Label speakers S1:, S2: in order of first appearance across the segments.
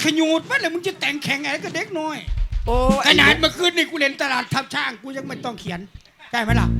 S1: ขยูดมันเลยมึงจะแต่งแข่งอะไรกับเด็กน้อย
S2: โอ้
S1: ขนาดเมื่อคืนนี่กูเล่นตลาดทับช้างกูยังไม่ต้องเขียนได้ไหมล่ะ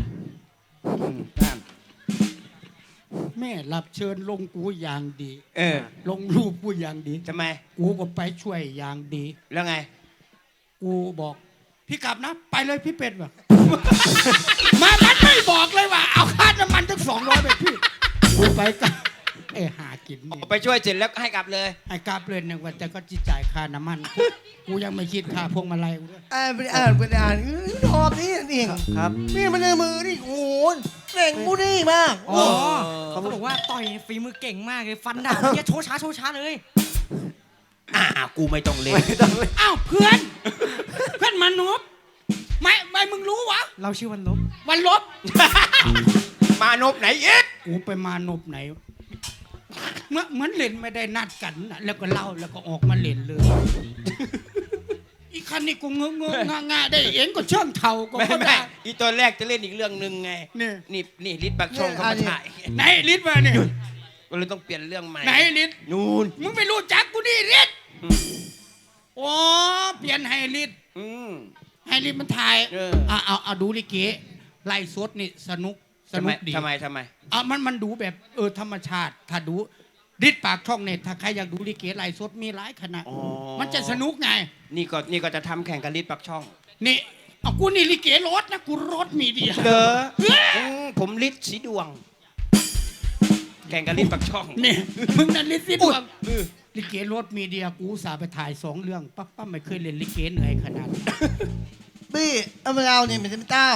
S1: แม่รับเชิญลงกูอย่างดี ลงรูปกูอย่างดี
S2: ทำไม
S1: กูก็ไปช่วยอย่างดี
S2: แล้วไง
S1: กูบอกพี่กลับนะไปเลยพี่เป็ดว่ะ มันไม่บอกเลยว่าเอาค่าน้ำมันทั้ง200ไปพี่กูไปกับหากินนี่
S2: ไปช่วยเสร็จแล้วให้กลับเลย
S1: ให้กลับเลยหนึ่งวันแต่ก็จิจ่ายค่าน้ำมันกูยังไม่คิดค่าพวงมาลัยกูด้วย
S3: ไปอ่านชอบนี่นี่ครับนี่มันในมือนี่โอ้โหเก่งมูนี่มาก
S4: อ๋อเขาบอกว่าต่อยฝีมือเก่งมากเลยฟันดาบเนี่ยโชว์ช้าเลย
S2: กูไม่ต้องเล่น
S1: อ้าวเพื่อน เพื่อนมนุษย์ไม่มึงรู้วะ
S4: เราชื่อวันลบ
S1: วันลบ
S2: มานพไหนอีก
S1: กูไปมานบไหนเหมือนเล่นไม่ได้นัดกันนะแล้วก็เล่าแล้วก็ออกมาเล่นเลย อีคันนี้กูงงงาได้เองก็เชื่องเท่าก็
S2: ไม่
S1: ได้
S2: อีตอนแรกจะเล่นอีกเรื่องหนึ่งไง นี่ลิศปักช่องเขามาถ่าย
S1: ไหนลิศมาเนี่ย
S2: ก็เลยต้องเปลี่ยนเรื่องใหม่
S1: ไหนลิศ
S2: นู่น
S1: มึงไม่รู้จักกูนี่ลิศโอ้เปลี่ยนให้ลิศให้ลิศมันถ่ายเอาดูลิเกไล่สดนี่สนุกดี
S2: ทำไม
S1: มันดูแบบธรรมชาติถ้าดูลิศปากช่องเนี่ยถ้าใครอยากดูลิเกไล่สดมีหลายขนาดมันจะสนุกไง
S2: นี่ก็จะทำแข่งกับลิศปักช่อง
S1: นี่เอากูนี่ลิเกรถนะกูรถมีเดีย
S2: เด้อผมลิศสีดวงแข่งกับลิศปักช่อง
S1: นี่มึงนั่นลิศสีดวงลิเกรถมีเดียกูสาไปถ่าย2 เรื่องปั๊บไม่เคยเล่นลิเกเหนื่อยขนาด
S3: บี้เอามาเราเนี่ยมันจะเป็นเต้า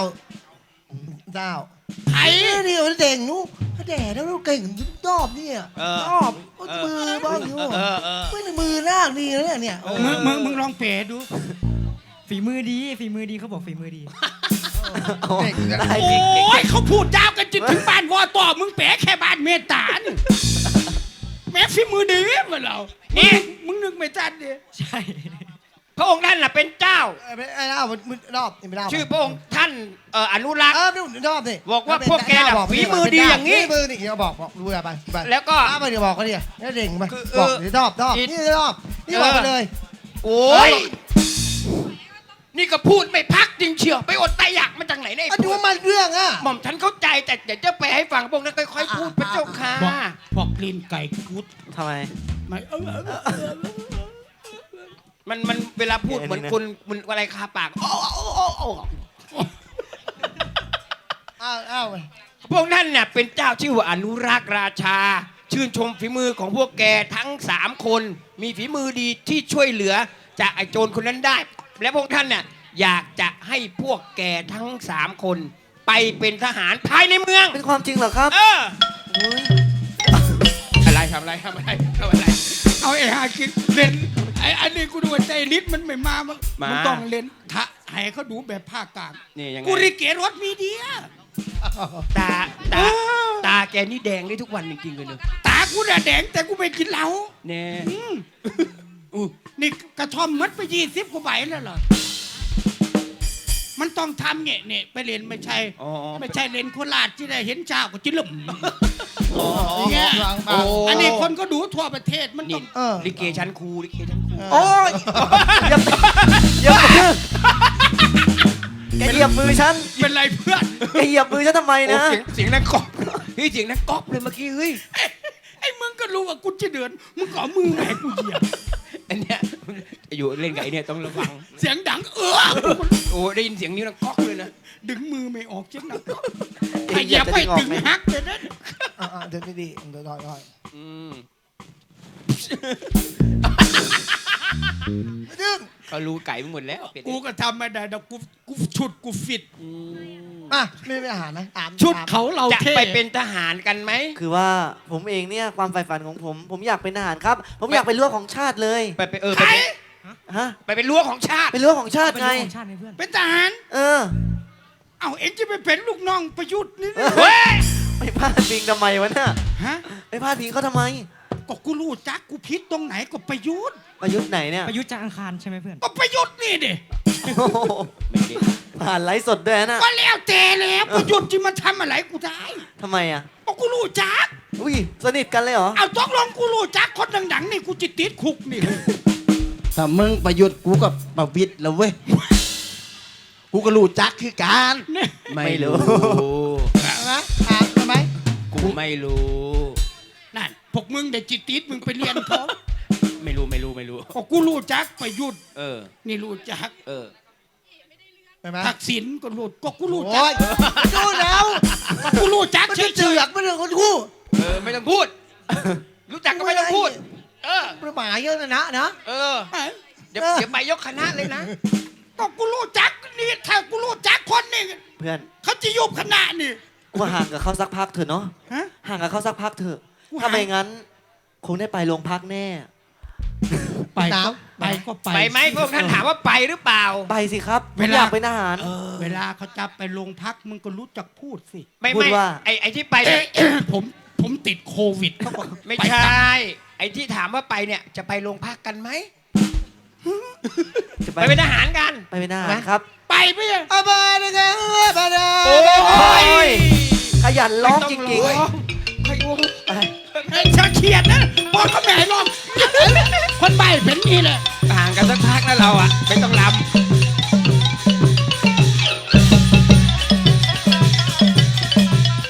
S1: ไอ้
S3: เดี๋ยวเด่งนู้แด่แล้วเราเก่งชอบเนี่ยชอบมือบ้างอยู่ไม่ในมือลากดีแล้วเนี่ย
S1: มึงลองเป๋ดู
S4: ฝีมือดีเขาบอกฝีมือดี
S1: โอ้ยเขาพูดยาวกันจนถึงบ้านวอต่อมึงเป๋แค่บ้านเมตานี่แม่ฝีมือดีมาเรานี่มึงนึกไม่ทันดิ
S4: ใช่
S2: พระองค์ท่านน่ะเป็นเจ้า
S3: ไอ้เล่ามันรอบนี่ไม่เล่า
S2: ชื่อพระองค์ท่านอนุรักษ์
S3: รอบนี่
S2: บอกว่าพวกแกน่ะฝีมือดีอย่างนี้
S3: ฝีมือนี่เขาบอกดูไป
S2: แล้วก็
S3: ไปเดี๋ยวบอกเขาดิแล้วเด่งไปบอกเดี๋ยวรอบนี่รอบนี่บอกไปเลย
S2: โอ้ยนี่ก็พูดไม่พักจริงเชียวไปอดตายอยากมาจากไหนเนี่ย
S3: ดูว่ามันเรื่อง
S2: หม่อมฉันเข้าใจแต่เดี๋ยวจะไปให้ฟังพวกนั้นค่อยๆพูดพระเจ้าค่ะ
S1: พวกกลิ่นไก่กุด
S4: ทำไม
S1: ไม่
S2: มันเวลาพูดเหมือนคนมันอะไรคาปากพวกนั้นเนี่ยเป็นเจ้าชื่อว่าอนุรักษ์ราชาชื่นชมฝีมือของพวกแกทั้ง3 คนมีฝีมือดีที่ช่วยเหลือจากไอ้โจรคนนั้นได้และพวกท่านเนี่ยอยากจะให้พวกแกทั้ง3 คนไปเป็นทหารภายในเมือง
S4: เป็นความจริงเหรอครับ
S2: อะไรทำอะไร
S1: เอาหากินเล่นอันนี้กูดูว่าใจลิศมันไม่มามันต้องเล่นให้เขาดูแบบภาคกลาง
S2: นี่ยังไง
S1: กูริเกรถมีเดีย
S2: ตาแกนี่แดงได้ทุกวันจริงๆเลยเนอะ
S1: ตากูแดงแต่กูไม่กินเหล้า
S2: เนี่ย
S1: นี่กระท่อมมัดไป20 กว่าใบแล้วเหรอมันต้องทำเนี่ยไปเรียนไม่ใช่เรียนโคราชที่ได้เห็นเจ้าก็จิ้มอันนี้คนก็ดูทั่วประเทศมันต้อง
S2: ลิเกชั้นครู
S4: โอ้ยอย่าแกเหยียบมือฉัน
S1: เป็นไรเพื่อน
S4: แกเหยียบมือฉันทำไมนะ
S2: เสียงนั้นก๊อกเสียงนั้นก๊อกเลยเมื่อกี้เฮ้ย
S1: ไอ้มึงก็รู้ว่ากูจะเดือนมึงขอมือแหวกกูเหยียบ
S2: อันเนี้ยอยู่เล่นกับไอ้เนี่ยต้องระวัง
S1: เสียงดัง
S2: โอ้ได้ยินเสียงนิ้วนะก๊อกเลยนะ
S1: ดึงมือไม่ออกเจ๊งนะไอ้เหยียบไปดึงฮักเลยนะ
S3: เดินดีเดินถอย
S2: ดึงเขารู้ไก่หมดแล้ว
S1: กูก็ทำไม่ได้แต่กูชุดกูฟิต
S3: ไม่อาหารนะ
S1: ชุดเขาเรา
S2: จะไปเป็นทหารกันไหม
S4: คือว่าผมเองเนี่ยความใฝ่ฝันของผมอยากเป็นทหารครับผมอยากเป็นรั้วของชาติเลย
S2: ไปไปเป็นรั้วของชาติ
S4: เป็นรั้วของชาติไง
S1: เป็นทหารเอาเอ็งจะไปเป็นลูกน้องประยุทธ์นี่
S4: ไปพาดพิงทำไมวะเนี่ยไปพาดพิงเขาทำไม
S1: ก็กูรู้จักกูพิษตรงไหนก็ประยุทธ์
S4: ไหนเนี่ย
S5: ประยุทธ์จากอังคารใช่ไหมเพื่อน
S1: ก็ประยุทธ์นี่ดิ
S4: ผ่านไลฟ์สดด้วยนะ
S1: ก็แล้วแต่แล้วประยุทธ์จะมาทำอะไรกูได้
S4: ทำไมอ่ะ
S1: ก็กูรู้จัก
S4: สนิทกันเลยเหรอ
S1: เอาต้องลองกูรู้จักคนดังๆนี่กูจะติดคุกนี่
S3: ถ้ามึงประยุทธ์กูก็ประวิตรแล้วเว้ย กูก็รู้จักคือการ
S2: ไม่รู้
S3: นะถามทำไม
S2: กูไม่รู้
S1: นั่นพวกมึงได้จิตติดมึงไปเรียนเขา
S2: ไม่รู้ไม่รู้ไม่รู้
S1: ก็กูรู้จักประยุทธ์
S2: เออ
S1: นี่รู้จัก
S2: เออ
S3: ใช่ไหม
S1: ทักษิณก็รู้ก็กูรู้จั
S3: โอ้
S1: ก
S3: ยดูแล้ว
S1: ก็กูรู้จัก
S3: มัน
S1: เฉ
S3: จะเจื
S1: ย
S3: อกไม่เรื่องคนกู
S2: เออไม่ต้องพูด รู้จักก็ไม่ต้องพูด เออ
S3: ประหมายเยอะนะนะ
S2: เออ
S1: ๆเอ้ย
S2: เดี๋ยวเดี๋ยวไปยกคณะเลยนะ
S1: ก็กูรู้จักนี่ถ้ากูรู้จักคนนี่
S4: เพื่อน
S1: เขาจะยุบคณะนี่
S4: กูห่างกับเขาสักพักเถอะเนาะ
S1: ฮะ
S4: ห่างกับเขาสักพักเถอะ
S1: กูห่าง
S4: ถ้าไม่งั้น คงได้ไปโรงพักแน่
S1: ไปก็ไปก็ไป
S2: ไปไหมพวกท่านถามว่าไปหรือเปล่า
S4: ไปสิครับผ
S1: เว
S4: ม
S1: ลา
S4: อยากเป็นทหาร
S1: เวลาเขาจับไปโรงพักมึงก็รู้จักพูดสิ
S2: ไม่
S4: พูด
S2: ไม่
S4: ว่า
S2: ไอ้ที่ไปเนี่ย
S1: ผมติดโควิดเขาบอก
S2: ไม่
S1: ป
S2: ใช
S1: จับ่
S2: ไอ้ที่ถามว่าไปเนี่ยจะไปโรงพักกันไหม
S4: จะ
S2: ไปเป็นทหารกัน
S4: ไปเป็นทหารครับ
S1: ไปไหมอะ
S3: อาบาดะกะบาดะ
S2: โอ้ย
S4: ขยันร้องจริง
S2: ไม่ต้อง
S4: ๆ
S2: ใครวง
S4: ไป
S1: เฮ้ยเธอเขียดนะบอกเขาแม่ให้ลองคนใบเป็นนี่แหละ
S2: ห่างกันสักพักแล้วเราอ่ะ